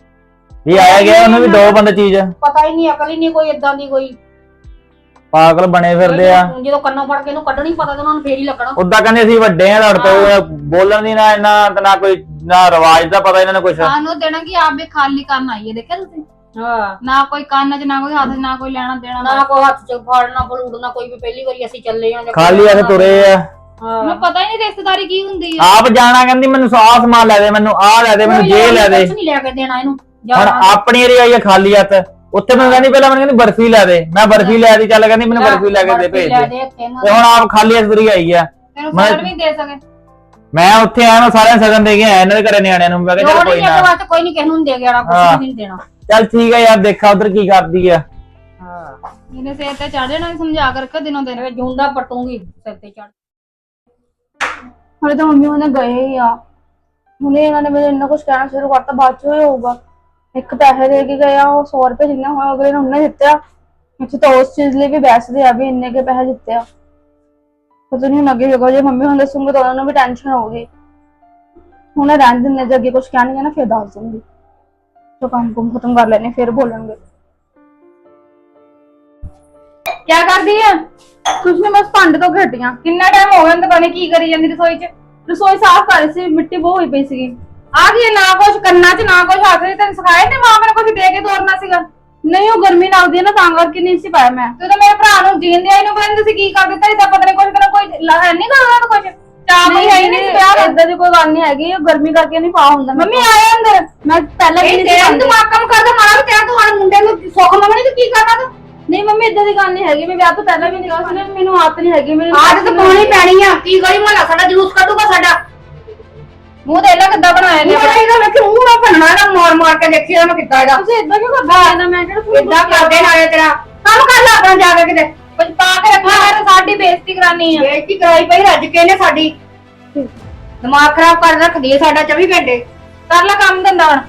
Speaker 3: ਇਹ ਆਇਆ ਗਿਆ ਉਹਨੂੰ ਵੀ ਦੋ ਬੰਦੇ ਚੀਜ਼।
Speaker 2: ਪਤਾ ਹੀ ਨਹੀਂ, ਅਕਲ ਹੀ ਨਹੀਂ ਕੋਈ, ਏਦਾਂ ਦੀ ਕੋਈ
Speaker 3: ਪਾਗਲ ਬਣੇ ਫਿਰਦੇ ਆ।
Speaker 2: ਜਦੋਂ ਕੰਨੋਂ ਫੜ ਕੇ ਇਹਨੂੰ ਕੱਢਣੀ ਪਤਾ ਤੇ ਉਹਨਾਂ ਨੂੰ ਫੇਰ ਹੀ ਲੱਗਣਾ।
Speaker 3: ਉਦਾਂ ਕਹਿੰਦੇ ਅਸੀਂ ਵੱਡੇ ਆ, ਲੜ ਤੋਂ ਬੋਲਣ ਦੀ ਨਾ ਇਹਨਾਂ ਤੇ ਨਾ ਕੋਈ ਨਾ ਰਿਵਾਜ ਦਾ ਪਤਾ ਇਹਨਾਂ ਨੂੰ ਕੁਛ।
Speaker 6: ਸਾਨੂੰ ਦੇਣਾ ਕਿ ਆਪ ਵੀ ਖਾਲੀ ਕਰਨ ਆਈਏ, ਦੇਖਿਆ ਤੁਸੀਂ?
Speaker 2: ਹਾਂ,
Speaker 6: ਨਾ ਕੋਈ ਕੰਨ ਚ, ਨਾ ਕੋਈ ਹੱਥ ਚ, ਨਾ ਕੋਈ ਲੈਣਾ ਦੇਣਾ,
Speaker 2: ਨਾ ਕੋਈ ਹੱਥ ਚ ਫੜਨਾ ਫਲੂੜਨਾ ਕੋਈ ਵੀ। ਪਹਿਲੀ ਵਾਰੀ ਅਸੀਂ ਚੱਲੇ ਆਂ,
Speaker 3: ਖਾਲੀ ਐਸੇ ਤੁਰੇ ਆ।
Speaker 6: ਮੈਨੂੰ ਪਤਾ ਹੀ ਨਹੀਂ ਰਿਸ਼ਤੇਦਾਰੀ ਕੀ ਹੁੰਦੀ ਆ।
Speaker 3: ਆਪ ਜਾਣਾ ਕਹਿੰਦੀ ਮੈਨੂੰ ਆਹ ਸਮਾਨ ਲੈ ਦੇ, ਮੈਨੂੰ ਆਹ ਲੈ ਦੇ, ਮੈਨੂੰ ਜੇ ਲੈ ਦੇ।
Speaker 2: ਕੁਝ ਨਹੀਂ ਲੈ ਕੇ ਦੇਣਾ ਇਹਨੂੰ।
Speaker 3: ਹੁਣ ਆਪਣੀ ਏਰੀ ਆਈ ਆ ਖਾਲੀ ਹੱਥ, ਉੱਥੇ ਮੈਨੂੰ ਕਹਿੰਦੀ ਪਹਿਲਾਂ ਮੈਨੂੰ ਕਹਿੰਦੀ ਬਰਫੀ ਲੈ ਦੇ, ਮੈਂ ਬਰਫੀ ਲੈ ਦੀ, ਚੱਲ ਕਹਿੰਦੀ ਮੈਨੂੰ ਬਰਫੀ ਲੈ ਕੇ ਦੇ ਭੇਜ ਦੇ, ਤੇ ਹੁਣ ਆਪ ਖਾਲੀ ਹੱਥ ਤੁਰੀ ਆਈ ਆ।
Speaker 6: ਤੈਨੂੰ ਸਗਨ ਵੀ ਦੇ ਸਕੇ।
Speaker 3: ਮੈਂ ਉੱਥੇ ਆਇਆ, ਮੈਂ ਸਾਰਿਆਂ ਸਗਨ ਦੇ ਕੇ ਆਇਆ ਇਹਨਾਂ ਦੇ ਘਰੇ ਨਿਆਣਿਆਂ ਨੂੰ। ਮੈਂ ਕਿਹਾ ਚੱਲ ਕੋਈ ਨਾ,
Speaker 2: ਕੋਈ ਨਹੀਂ, ਕਿਸੇ ਨੂੰ ਦੇ ਗਿਆ, ਕੁਝ ਨਹੀਂ ਦੇਣਾ।
Speaker 3: ਚੱਲ ਠੀਕ ਆ ਯਾਰ, ਦੇਖਾ ਉਧਰ ਕੀ ਕਰਦੀ ਆ।
Speaker 2: ਹਾਂ,
Speaker 6: ਇਹਨੇ ਸਿਰ ਤੇ ਚੜ ਜਾਣਾ, ਸਮਝਾ ਕੇ ਰੱਖੋ ਦਿਨੋਂ ਦਿਨ।
Speaker 2: ਜੂੰਡਾ ਪਟੂਗੀ ਸਿਰ ਤੇ ਚੜ।
Speaker 5: ਹਲੇ ਤਾਂ ਮੰਮੀ ਉਹਨੇ ਗਏ ਹੀ ਆ, ਹੁਣੇ ਇਹਨਾਂ ਨੇ ਮੈਨੂੰ ਇੰਨਾ ਕੁਝ ਕਹਿਣਾ ਸ਼ੁਰੂ ਕਰਤਾ, ਬਾਅਦ ਚ ਹੀ ਹੋਊਗਾ। ਇੱਕ ਪੈਸੇ ਦੇ ਕੇ ਗਏ ਆ, ਉਹ ਸੌ ਰੁਪਏ ਜਿੰਨਾ ਹੋਇਆ ਅਗਲੇ ਨੇ ਉਹਨੇ ਦਿੱਤੇ ਆ। ਇੱਥੇ ਤਾਂ ਉਸ ਚੀਜ਼ ਲਈ ਵੀ ਬੈਸਦੇ ਆ ਵੀ ਇੰਨੇ ਕੇ ਪੈਸੇ ਦਿੱਤੇ ਆ। ਪਤਾ ਨਹੀਂ ਹੁਣ ਅੱਗੇ ਹੋਗਾ, ਜੇ ਮੰਮੀ ਹੁਣ ਦੱਸੂਗੇ ਤਾਂ ਉਹਨਾਂ ਨੂੰ ਵੀ ਟੈਨਸ਼ਨ ਹੋਊਗੀ। ਹੁਣ ਰਹਿਣ ਦਿੰਦੇ, ਜੇ ਅੱਗੇ ਕੁਝ ਕਹਿਣਗੇ ਨਾ ਫਿਰ ਦੱਸ ਦੂੰਗੀ। ਜੋ ਕੰਮ ਕੁਮ ਖਤਮ ਕਰ ਲੈਣੇ ਫਿਰ ਬੋਲਣਗੇ।
Speaker 6: ਕੀ ਕਰਦੀ ਆ?
Speaker 5: ਕੁਝ ਨਹੀਂ, ਬਸ ਭਾਂਡੇ ਤੋਂ ਘਟੀਆਂ।
Speaker 6: ਕਿੰਨਾ ਟਾਈਮ ਹੋ ਗਿਆ ਤਾਂ ਬਣੇ ਕੀ ਕਰੀ ਜਾਂਦੀ ਰਸੋਈ ਚ?
Speaker 5: ਰਸੋਈ ਸਾਫ਼ ਕਰ ਰਹੀ ਸੀ, ਮਿੱਟੀ ਬਹੁਤ ਹੋਈ ਪਈ ਸੀਗੀ।
Speaker 6: ਆ ਕੀ ਨਾ ਕੁਛ ਕੰਨਾਂ ਚ, ਨਾ ਕੁਛ ਹੱਥ ਚ, ਤੈਨੂੰ ਸਿਖਾਇਆ ਨੀ ਮਾਂ ਨੇ ਕੁਛ ਦੇ ਕੇ ਤੋਰਨਾ ਸੀਗਾ?
Speaker 5: ਨਹੀਂ, ਉਹ ਗਰਮੀ ਲੱਗਦੀ ਹੈ ਨਾ, ਤਾਂ ਕਰਕੇ ਨਹੀਂ ਸੀ ਪਾਇਆ ਮੈਂ।
Speaker 6: ਤੂੰ ਤਾਂ ਮੇਰੇ ਭਰਾ ਨੂੰ ਜੀਣ ਦਿਆ ਇਹਨੂੰ, ਪਤਾ ਨੀ ਤੁਸੀਂ ਕੀ ਕਰ ਦਿੱਤਾ। ਇਦਾਂ ਪਤਾ ਨਹੀਂ ਕੁਛ ਤੈਨੂੰ ਕੋਈ ਹੈ ਨਹੀਂ ਕਰਦਾ ਕੁਛ ਚਾਹ ਕੋਈ ਹੈ ਹੀ ਨਹੀਂ ਸੀ ਵਿਆਹ ਦਾ।
Speaker 5: ਏਦਾਂ ਦੀ ਕੋਈ ਗੱਲ ਨਹੀਂ ਹੈਗੀ, ਉਹ ਗਰਮੀ ਕਰਕੇ ਨਹੀਂ ਪਾ ਹੁੰਦਾ।
Speaker 6: ਮੰਮੀ ਆਇਆ ਅੰਦਰ,
Speaker 5: ਮੈਂ ਪਹਿਲਾਂ ਵੀ ਨਹੀਂ
Speaker 6: ਤੇਰਾ
Speaker 5: ਸੀ
Speaker 6: ਦਿਮਾਗ ਕੰਮ ਕਰਦਾ ਮਾਰਾ ਵੀ ਤੇਰਾ। ਤੂੰ ਹਣ ਮੁੰਡੇ ਨੂੰ ਸੁੱਖ ਮੰਗਣੀ ਤੂੰ ਕੀ ਕਰਨਾ ਤੂੰ?
Speaker 5: ਨਹੀਂ ਮੰਮੀ, ਏਦਾਂ ਦੀ ਗੱਲ ਨਹੀਂ ਹੈਗੀ, ਮੈਂ ਵਿਆਹ ਤੋਂ ਪਹਿਲਾਂ ਵੀ ਨਹੀਂ ਕਿਹਾ ਸੀ। ਮੈਨੂੰ ਆਦਤ ਨਹੀਂ ਹੈਗੀ, ਮੈਨੂੰ
Speaker 2: ਆਦਤ ਤਾਂ ਪਾਉਣੀ ਪੈਣੀ ਆ। ਕੀ ਗਲੀ ਮਹੱਲਾ ਸਾਡਾ ਜਲੂਸ ਕੱਢੂਗਾ ਸਾਡਾ।
Speaker 6: ਮੂੰਹ ਦੇਖ ਲੈ ਕਿੱਦਾਂ ਬਣਾਇਆ ਨੇ।
Speaker 2: ਮੂੰਹ ਇਹਦਾ ਵੇਖੀ, ਮੂੰਹ ਨਾ ਭੰਨਣਾ ਇਹਦਾ, ਮਾਰ ਮਾਰ ਕੇ ਦੇਖੀ ਇਹਦਾ ਮੈਂ ਕਿੱਦਾਂ ਇਹਦਾ।
Speaker 5: ਤੁਸੀਂ ਏਦਾਂ ਕਿਉਂ ਕਰਦੇ ਹੋ? ਮੈਂ ਕਿਹੜਾ
Speaker 2: ਏਦਾਂ ਕਰਦੇ ਨਾਲੇ ਤੇਰਾ ਕੰਮ ਕਰ ਲੈ ਆਪਣਾ ਜਾ ਕੇ ਕਿਤੇ।
Speaker 6: ਕੁਝ ਪਾ ਕੇ ਰੱਖਿਆ ਹੈ, ਸਾਡੀ ਬੇਇੱਜ਼ਤੀ ਕਰਾਨੀ ਆ।
Speaker 2: ਬੇਇੱਜ਼ਤੀ ਕਰਾਈ ਪਈ ਰੱਜ ਕੇ ਨੇ ਸਾਡੀ। ਦਿਮਾਗ ਖਰਾਬ ਕਰ ਰੱਖਦੀ ਹੈ ਸਾਡਾ ਚੌਵੀ ਘੰਟੇ।
Speaker 6: ਕਰ ਲੈ ਕੰਮ ਧੰਦਾ ਹੁਣ।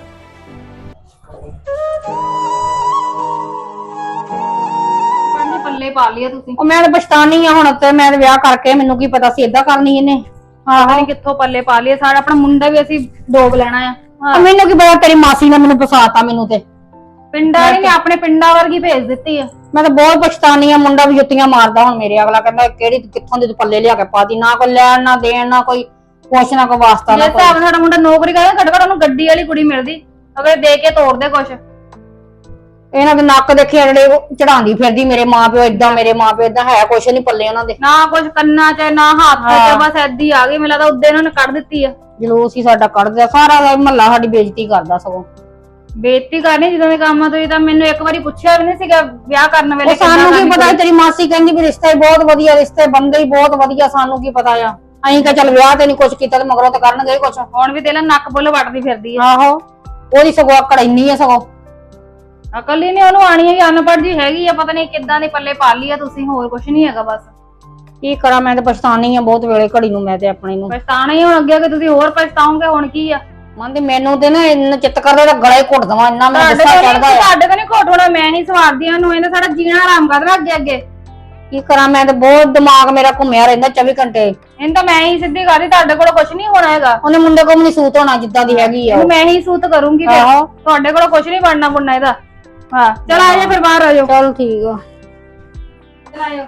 Speaker 6: ਪੱਲੇ ਪੱਲੇ ਪਾ ਲਿਆ ਤੁਸੀਂ।
Speaker 2: ਉਹ ਮੈਂ ਤਾਂ ਪਛਤਾਨੀ ਆ ਹੁਣ, ਤੇ ਮੈਂ ਤਾਂ ਵਿਆਹ ਕਰਕੇ ਮੈਨੂੰ ਕੀ ਪਤਾ ਸੀ ਏਦਾਂ ਕਰਨੀ ਇਹਨੇ।
Speaker 6: ਆਹੋ ਕਿੱਥੋਂ ਪੱਲੇ ਪਾ ਲਿਆ। ਸਾਡਾ ਆਪਣਾ ਮੁੰਡਾ ਵੀ ਅਸੀਂ ਡੋਬ ਲੈਣਾ ਆ।
Speaker 2: ਮੈਨੂੰ ਕੀ ਪਤਾ, ਤੇਰੀ ਮਾਸੀ ਨੇ ਮੈਨੂੰ ਫਸਾਤਾ ਮੈਨੂੰ ਤੇ।
Speaker 6: ਪਿੰਡਾਂ ਵਾਲੀ ਨੇ ਆਪਣੇ ਪਿੰਡਾਂ ਵਰਗੀ ਭੇਜ ਦਿੱਤੀ ਆ।
Speaker 2: ਮੈਂ ਤਾਂ ਬਹੁਤ ਪਛਤਾਨੀ ਆ। ਮੁੰਡਾ ਵੀ ਜੁੱਤੀਆਂ ਮਾਰਦਾ ਹੁਣ ਮੇਰੇ। ਅਗਲਾ ਕਹਿੰਦਾ ਕਿਹੜੀ ਕਿੱਥੋਂ ਦੇ ਪੱਲੇ ਲਿਆ ਕੇ ਪਾਤੀ, ਨਾ ਕੋਈ ਲੈਣ ਨਾ ਦੇਣ, ਨਾ ਕੋਈ ਕੁਛ, ਨਾ ਕੋਈ ਵਾਸਤਾ
Speaker 6: ਜੇ
Speaker 2: ਨਾ
Speaker 6: ਹਿਸਾਬ ਨਾਲ ਸਾਡਾ ਮੁੰਡਾ ਨੌਕਰੀ ਕਰਦਾ, ਘੱਟੋ ਘੱਟ ਉਹਨੂੰ ਗੱਡੀ ਵਾਲੀ ਕੁੜੀ ਮਿਲਦੀ, ਅਗਰ ਦੇ ਕੇ ਤੋੜਦੇ ਕੁਛ।
Speaker 2: ਇਹਨਾਂ ਦੇ ਨੱਕ ਦੇਖੇ ਜਿਹੜੇ ਚੜਾਉਂਦੀ ਫਿਰਦੀ ਮੇਰੇ ਮਾਂ ਪਿਓ ਏਦਾਂ, ਮੇਰੇ ਮਾਂ ਪਿਓ ਏਦਾਂ, ਹੈ ਕੁਛ ਨਹੀਂ ਪੱਲੇ ਉਹਨਾਂ ਦੇ।
Speaker 6: ਨਾ ਕੁਛ ਕੰਨਾਂ ਚ, ਨਾ ਹੱਥ ਚ, ਬਸ ਏਦੀ ਆ ਗਈ। ਮੈਨੂੰ ਲੱਗਦਾ ਉੱਦੇ ਇਹਨਾਂ ਨੇ ਕੱਢ ਦਿੱਤੀ ਆ।
Speaker 2: ਜਲੂਸ ਹੀ ਸਾਡਾ ਕੱਢਦਾ, ਸਾਰਾ ਮਹੱਲਾ ਸਾਡੀ ਬੇਇੱਜ਼ਤੀ ਕਰਦਾ ਸਗੋਂ। ਬੇਇੱਜ਼ਤੀ ਕਰਨੀ ਜਦੋਂ ਦੇ ਕੰਮ ਆ ਤੁਸੀਂ ਤਾਂ ਮੈਨੂੰ ਇੱਕ ਵਾਰੀ ਪੁੱਛਿਆ ਵੀ ਨਹੀਂ ਸੀਗਾ ਵਿਆਹ ਕਰਨ ਵੇਲੇ
Speaker 1: ਉਹ ਸਾਨੂੰ ਕੀ ਪਤਾ ਤੇਰੀ ਮਾਸੀ ਕਹਿੰਦੀ ਵੀ ਰਿਸ਼ਤੇ ਬਹੁਤ ਵਧੀਆ ਰਿਸ਼ਤੇ ਬੰਦੇ ਹੀ ਬਹੁਤ ਵਧੀਆ ਸਾਨੂੰ ਕੀ ਪਤਾ ਆ ਅਸੀਂ ਕਹ ਚੱਲ ਵਿਆਹ ਤੇ ਨਹੀਂ ਕੁਛ ਕੀਤਾ ਤੇ ਮਗਰੋਂ ਤਾਂ ਕਰਨਗੇ ਕੁਛ
Speaker 2: ਹੁਣ ਵੀ ਤੇਲਾ ਨੱਕ ਬੁੱਲ ਵੱਟਦੀ ਫਿਰਦੀ ਆ
Speaker 1: ਆਹੋ ਉਹਦੀ ਸਗੋਂ ਆਕੜ ਇੰਨੀ ਆ ਸਗੋਂ
Speaker 2: ਅਕਲ ਹੀ ਨਹੀਂ ਉਹਨੂੰ ਆਣੀ ਹੈ ਅਨਪੜ੍ਹ ਜੀ ਹੈਗੀ ਆ ਪਤਾ ਨਹੀਂ ਕਿੱਦਾਂ ਦੇ ਪੱਲੇ ਪਾ ਲਈ ਆ ਤੁਸੀਂ ਹੋਰ ਕੁਛ ਨਹੀਂ ਹੈਗਾ ਬਸ
Speaker 1: ਕੀ ਕਰਾਂ ਮੈਂ ਤੇ ਪਛਤਾਨੀ ਆ ਬਹੁਤ ਵੇਲੇ ਘੜੀ ਨੂੰ ਮੈਂ ਤੇ ਆਪਣੀ ਨੂੰ
Speaker 2: ਪਛਤਾਣਾ ਹੀ ਹੁਣ ਅੱਗੇ ਕਿ ਤੁਸੀਂ ਹੋਰ ਪਛਤਾਓਗੇ ਹੁਣ ਕੀ ਆ
Speaker 1: ਮੰਨਦੀ ਮੈਨੂੰ ਤੇ ਨਾ ਇੰਨਾ ਚਿੱਤ ਕਰਦਾ ਤਾਂ ਗਲੇ ਘੁੱਟ ਦਵਾਂ ਇੰਨਾ ਮੈਂ ਗੁੱਸਾ ਚੜਦਾ ਆ
Speaker 2: ਸਾਡੇ ਤਾਂ ਨਹੀਂ ਘੋਟ ਹੋਣਾ ਮੈਂ ਹੀ ਸਵਾਰਦੀ ਆ ਉਹਨੂੰ ਇਹਨੇ ਸਾਡਾ ਜੀਣਾ ਆਰਾਮ ਕਰਦਾ ਅੱਗੇ ਅੱਗੇ
Speaker 1: ਕੀ ਕਰਾਂ ਮੈਂ ਤੇ ਬਹੁਤ ਦਿਮਾਗ ਮੇਰਾ ਘੁੰਮਿਆ ਰਹਿੰਦਾ ਚੌਵੀ ਘੰਟੇ
Speaker 2: ਇਹਨੂੰ ਤਾਂ ਮੈਂ ਹੀ ਸਿੱਧੀ ਕਰਦੀ ਤੁਹਾਡੇ ਕੋਲ ਕੁਛ ਨਹੀਂ ਹੋਣਾ ਹੈਗਾ
Speaker 1: ਉਹਨੇ ਮੁੰਡੇ ਕੋਲ ਨਹੀਂ ਸੂਤ ਹੋਣਾ ਜਿੱਦਾਂ ਦੀ ਹੈਗੀ ਆ
Speaker 2: ਇਹਨੂੰ ਮੈਂ ਹੀ ਸੂਤ ਕਰੂੰਗੀ ਫਿਰ
Speaker 1: ਆਹੋ
Speaker 2: ਤੁਹਾਡੇ ਕੋਲ ਕੁਛ ਨਹੀਂ ਬਣਨਾ ਬੁਣਨਾ ਇਹਦਾ ਹਾਂ ਚਲ ਆ ਜਾ ਫਿਰ ਬਾਹਰ ਆ ਜਾਓ
Speaker 1: ਚਲ ਠੀਕ ਆ
Speaker 2: ਚਲ ਆ ਜਾਓ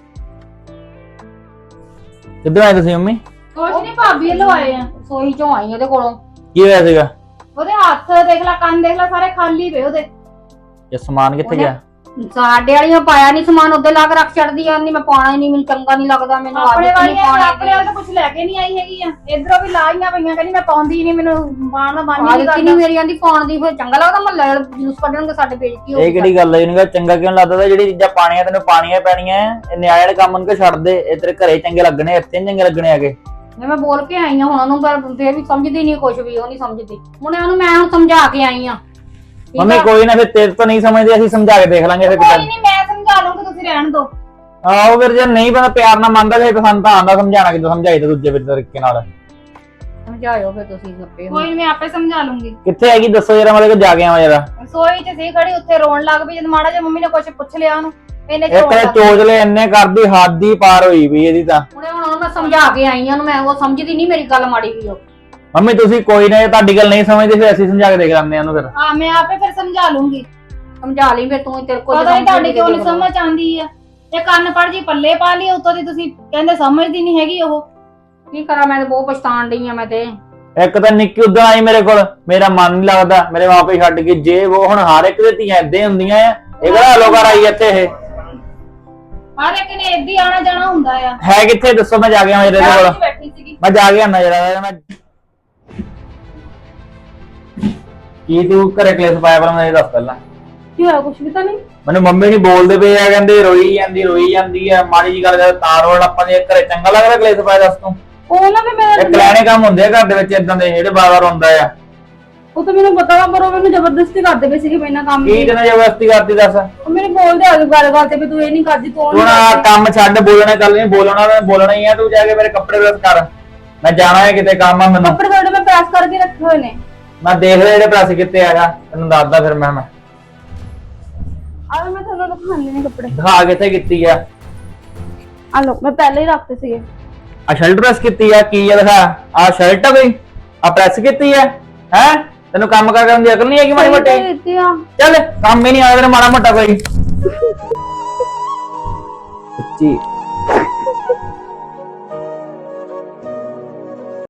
Speaker 3: ਕਿੱਧਰ ਆਏ ਤੁਸੀਂ ਮੰਮੀ?
Speaker 2: ਕੁਛ ਨਹੀਂ ਭਾਬੀ ਵੱਲੋਂ ਆਏ ਆ
Speaker 1: ਸੋਈ ਚੋਂ ਆਈ ਉਹਦੇ ਕੋਲੋਂ
Speaker 3: ਕੀ ਹੋਇਆ ਸੀਗਾ?
Speaker 2: ਉਹਦੇ ਹੱਥ ਦੇਖ ਲੈ ਕੰਨ ਦੇਖ ਲੈ ਸਾਰੇ ਖਾਲੀ ਪਏ ਉਹਦੇ
Speaker 3: ਇਹ ਸਮਾਨ ਕਿੱਥੇ ਗਿਆ?
Speaker 1: ਸਾਡੇ ਵਾਲੀਆਂ ਪਾਇਆ ਨਹੀਂ ਸਮਾਨ ਉੱਤੇ ਲਾ ਕੇ ਰੱਖ ਛੱਡਦੀ ਆ ਨਹੀਂ ਮੈਂ ਪਾਉਣਾ ਹੀ ਨਹੀਂ ਮੈਨੂੰ ਚੰਗਾ ਨਹੀਂ ਲੱਗਦਾ ਮੈਨੂੰ
Speaker 2: ਆਪਣੇ
Speaker 1: ਆਦਤ ਨਹੀਂ
Speaker 2: ਵਾਲੀਆਂ
Speaker 1: ਪਾਉਣੀ
Speaker 2: ਆਪਣੇ ਵਾਲ ਤਾਂ ਕੁਝ ਲੈ ਕੇ ਨਹੀਂ ਆਈ ਹੈਗੀ ਆ ਇਧਰੋਂ ਵੀ ਲਾਈਆਂ ਪਈਆਂ ਕਹਿੰਦੀ ਮੈਂ ਪਾਉਂਦੀ ਨਹੀਂ ਮੈਨੂੰ ਪਾਉਣ ਦਾ ਮਨ ਨਹੀਂ
Speaker 1: ਆਦਤ
Speaker 2: ਕਰਦਾ
Speaker 1: ਨਹੀਂ ਮੇਰੀ ਆਂਦੀ ਪਾਉਣ ਦੀ ਫਿਰ ਚੰਗਾ ਲੱਗਦਾ ਮਹੱਲੇ ਵਾਲੇ ਜਲੂਸ ਕੱਢਣਗੇ ਸਾਡੇ ਪੇਜ ਕੀ
Speaker 3: ਇਹ ਕਿਹੜੀ ਗੱਲ ਹੈ ਇਹਨੂੰ ਚੰਗਾ ਕਿਉਂ ਲੱਗਦਾ ਤਾ? ਜਿਹੜੀ ਚੀਜ਼ਾਂ ਪਾਣੀਆਂ ਤੈਨੂੰ ਪਾਣੀਆਂ ਪੈਣੀਆਂ ਇਹ ਨਿਆਣੇ ਵਾਲੇ ਕੰਮ ਨੂੰ ਛੱਡ ਦੇ ਇਹ ਤੇਰੇ ਘਰੇ ਚੰਗੇ ਲੱਗਣੇ ਇੱਥੇ ਨੀ ਚੰਗੇ ਲੱਗਣੇ ਆਗੇ
Speaker 1: ਮੈਂ ਬੋਲ ਕੇ ਆਈ ਆ ਹੁਣ ਉਹਨੂੰ ਪਰ ਫੇਰ ਵੀ ਸਮਝਦੀ ਨਹੀਂ ਕੁਝ ਵੀ ਉਹ ਨਹੀਂ ਸਮਝਦੀ ਹੁਣ ਉਹਨੂੰ ਮੈਂ ਹੁਣ ਸਮਝਾ ਕੇ ਆਈ ਆ
Speaker 3: ਮੰਮੀ ਕੋਈ ਨਾ ਫਿਰ ਤੇਰੇ ਤੋਂ ਨਹੀਂ ਸਮਝਦੇ ਅਸੀਂ ਸਮਝਾ ਕੇ ਦੇਖ ਲਾਂਗੇ ਫਿਰ
Speaker 2: ਕੋਈ ਨਹੀਂ ਮੈਂ ਸਮਝਾ ਲੂੰਗੀ ਤੁਸੀਂ ਰਹਿਣ ਦਿਓ
Speaker 3: ਆਹੋ ਫਿਰ ਜੇ ਨਹੀਂ ਬੰਦਾ ਪਿਆਰ ਨਾਲ ਮੰਨਦਾ ਫਿਰ ਸਾਨੂੰ ਤਾਂ ਆਂਦਾ ਸਮਝਾਣਾ ਕਿਦੋਂ ਸਮਝਾਈ ਤਾਂ ਦੂਜੇ ਤਰੀਕੇ ਨਾਲ
Speaker 1: ਸਮਝਾਇਓ ਫਿਰ ਤੁਸੀਂ ਗੱਪੇ
Speaker 2: ਕੋਈ ਨਹੀਂ ਮੈਂ ਆਪੇ ਸਮਝਾ ਲੂੰਗੀ
Speaker 3: ਕਿੱਥੇ ਹੈਗੀ ਦੱਸੋ ਜਰਾ ਮੇਰੇ ਕੋਲ ਜਾ ਕੇ ਆਵਾਂ ਜਰਾ
Speaker 2: ਰਸੋਈ 'ਚ ਸੀ ਖੜੀ ਉੱਥੇ ਰੋਣ ਲੱਗ ਪਈ ਜਦ ਮਾੜਾ ਜਿਹਾ ਮੰਮੀ ਨੇ ਕੁਝ ਪੁੱਛ ਲਿਆ ਉਹਨੂੰ ਇਹਨੇ
Speaker 3: ਇਹ ਤੇ ਚੋਜਲੇ ਇੰਨੇ ਕਰਦੀ ਹੱਦ ਹੀ ਪਾਰ ਹੋਈ ਵੀ ਇਹਦੀ ਤਾਂ
Speaker 1: ਹੁਣੇ ਹੁਣ ਉਹਨੂੰ ਮੈਂ ਸਮਝਾ ਕੇ ਆਈ ਆ ਉਹਨੂੰ ਮੈਂ ਉਹ ਸਮਝਦੀ ਨਹੀਂ ਮੇਰੀ ਗੱਲ ਮਾੜੀ ਵੀ ਉਹ
Speaker 3: ਮੰਮੀ ਤੁਸੀਂ ਕੋਈ ਨਾ ਤੁਹਾਡੀ ਗੱਲ ਨਹੀਂ ਸਮਝਦੇ ਫਿਰ ਅਸੀਂ ਸਮਝਾ ਕੇ ਦੇਖ ਲੈਂਦੇ ਆ ਉਹਨੂੰ ਫਿਰ
Speaker 2: ਹਾਂ ਮੈਂ ਆਪੇ ਫਿਰ ਸਮਝਾ ਲੂੰਗੀ
Speaker 1: ਸਮਝਾ ਲਈ ਫਿਰ ਤੂੰ ਤੇਰੇ ਕੋਲ
Speaker 2: ਪਤਾ ਨਹੀਂ ਤੁਹਾਡੀ ਕਿਉਂ ਨਹੀਂ ਸਮਝ ਆਉਂਦੀ ਆ ਇਹ ਕੰਨ ਪੜ ਜੀ ਪੱਲੇ ਪਾ ਲਈ ਉਤੋਂ ਦੀ ਤੁਸੀਂ ਕਹਿੰਦੇ ਸਮਝਦੀ ਨਹੀਂ ਹੈਗੀ ਉਹ
Speaker 1: ਕੀ ਕਰਾਂ ਮੈਂ ਤੇ ਬਹੁਤ ਪਛਤਾਣ ਡਈ ਆ ਮੈਂ ਤੇ
Speaker 3: ਇੱਕ ਤਾਂ ਨਿੱਕੀ ਉਦਾਂ ਆਈ ਮੇਰੇ ਕੋਲ ਮੇਰਾ ਮਨ ਨਹੀਂ ਲੱਗਦਾ ਮੇਰੇ ਮਾਪੇ ਛੱਡ ਕੇ ਜੇ ਉਹ ਹੁਣ ਹਰ ਇੱਕ ਦੇ ਧੀਆਂ ਏਦਾਂ ਹੁੰਦੀਆਂ ਆ ਇਹ ਕਿਹੜਾ ਲੋਕਾਰ ਆਈ ਇੱਥੇ ਇਹ
Speaker 2: ਹਰ ਇੱਕ ਨੇ ਏਦਾਂ ਹੀ ਆਣਾ ਜਾਣਾ ਹੁੰਦਾ ਆ
Speaker 3: ਹੈ ਕਿੱਥੇ ਦੱਸੋ ਮੈਂ ਜਾ ਕੇ ਆਵਾਂ ਇਹਦੇ ਕੋਲ
Speaker 2: ਬੈਠੀ ਸੀਗੀ
Speaker 3: ਮੈਂ ਜਾ ਕੇ ਆਣਾ ਜਰਾ ਮੈਂ ਕੀ ਤੂੰ ਘਰੇ ਕਲੇਸ਼ ਪਾਇਆ ਪਰ ਮੈਨੂੰ ਦੱਸ ਪਹਿਲਾਂ
Speaker 5: ਕੀ ਹੋਇਆ ਕੁਛ ਵੀ ਤਾਂ ਨਹੀਂ
Speaker 3: ਮੈਨੂੰ ਮੰਮੀ ਨਹੀਂ ਬੋਲਦੇ ਪਏ ਆ ਕਹਿੰਦੇ ਰੋਈ ਜਾਂਦੀ ਰੋਈ ਜਾਂਦੀ ਆ ਮਾੜੀ ਜੀ ਗੱਲ ਕਰ ਤਾਂ ਰੋਣ ਆਪਾਂ ਦੇ ਘਰੇ ਚੰਗਾ ਲੱਗਦਾ ਕਲੇਸ਼ ਪਾਇਆ ਦੱਸ ਤੂੰ
Speaker 5: ਉਹ ਨਾ ਵੀ ਮੈਂ
Speaker 3: ਇਹ ਕਲੈਣੇ ਕੰਮ ਹੁੰਦੇ ਆ ਘਰ ਦੇ ਵਿੱਚ ਇਦਾਂ ਦੇ ਜਿਹੜੇ ਬਾਰ-ਬਾਰ ਹੁੰਦਾ ਆ
Speaker 5: ਉਹ ਤਾਂ ਮੈਨੂੰ ਪਤਾ ਵਾ ਪਰ ਉਹ ਮੈਨੂੰ ਜ਼ਬਰਦਸਤੀ ਕਰਦੇ ਪਏ ਸੀਗੇ ਮੈਨਾਂ ਕੰਮ
Speaker 3: ਕੀ ਤੈਨੂੰ ਜ਼ਬਰਦਸਤੀ ਕਰਦੀ ਦੱਸ
Speaker 5: ਉਹ ਮੈਨੂੰ ਬੋਲਦੇ ਆ ਗੱਲ ਗੱਲ ਤੇ ਵੀ ਤੂੰ ਇਹ ਨਹੀਂ ਕਰਦੀ ਤੂੰ ਉਹ
Speaker 3: ਤੂੰ
Speaker 5: ਨਹੀਂ
Speaker 3: ਨਾ
Speaker 5: ਕਰਦੀ।
Speaker 3: ਕੰਮ ਛੱਡ ਬੋਲਣਾ ਗੱਲ ਨਹੀਂ ਬੋਲਣਾ ਮੈਂ ਬੋਲਣਾ ਹੀ ਆ ਤੂੰ ਜਾ ਕੇ ਮੇਰੇ ਕੱਪੜੇ ਪ੍ਰੈਸ ਕਰ ਮੈਂ ਜਾਣਾ ਹੈ ਕਿਤੇ ਕੰਮ ਆ ਮੈਨੂੰ
Speaker 5: ਕੱਪੜੇ ਤੁਹਾਡੇ ਮੈਂ ਪ੍ਰੈਸ ਕਰਕੇ ਰੱਖੇ ਹੋਏ ਨੇ
Speaker 3: ਮੈਂ ਦੇਖ ਲਿਆ ਜਿਹੜੇ ਪ੍ਰੈਸ ਕਿੱਥੇ ਆਗਾ ਤੈਨੂੰ ਦੱਸਦਾ ਫਿਰ ਮੈਂ ਮੈਂ
Speaker 5: ਆ ਮੈਂ ਤੁਹਾਨੂੰ ਦਿਖਾਣੇ ਨੇ ਕੱਪੜੇ
Speaker 3: ਦਿਖਾ ਕਿੱਥੇ ਕੀਤੀ ਆ
Speaker 5: ਆ ਲੋ ਮੈਂ ਪਹਿਲੇ ਹੀ ਰੱਖਤੇ ਸੀਗੇ
Speaker 3: ਆ ਸ਼ਰਟ ਪ੍ਰੈਸ ਕੀਤੀ ਆ ਕੀ ਆ ਦਿਖਾ ਆ ਸ਼ਰਟ ਆ ਕੋਈ ਆ ਪ੍ਰੈਸ ਕੀਤੀ ਆ ਹੈ ਤੈਨੂੰ ਕੰਮ ਕਰ ਕਰਨ ਦੀ ਅਕਲ ਨਹੀਂ ਹੈਗੀ ਮਾੜੀ ਮੋਟੀ
Speaker 5: ਦਿੱਤੀ ਆ
Speaker 3: ਚੱਲ ਕੰਮ ਹੀ ਨਹੀਂ ਆਦਾ ਤੇਰਾ ਮਾੜਾ ਮੋਟਾ ਕੋਈ ਸੱਚੀ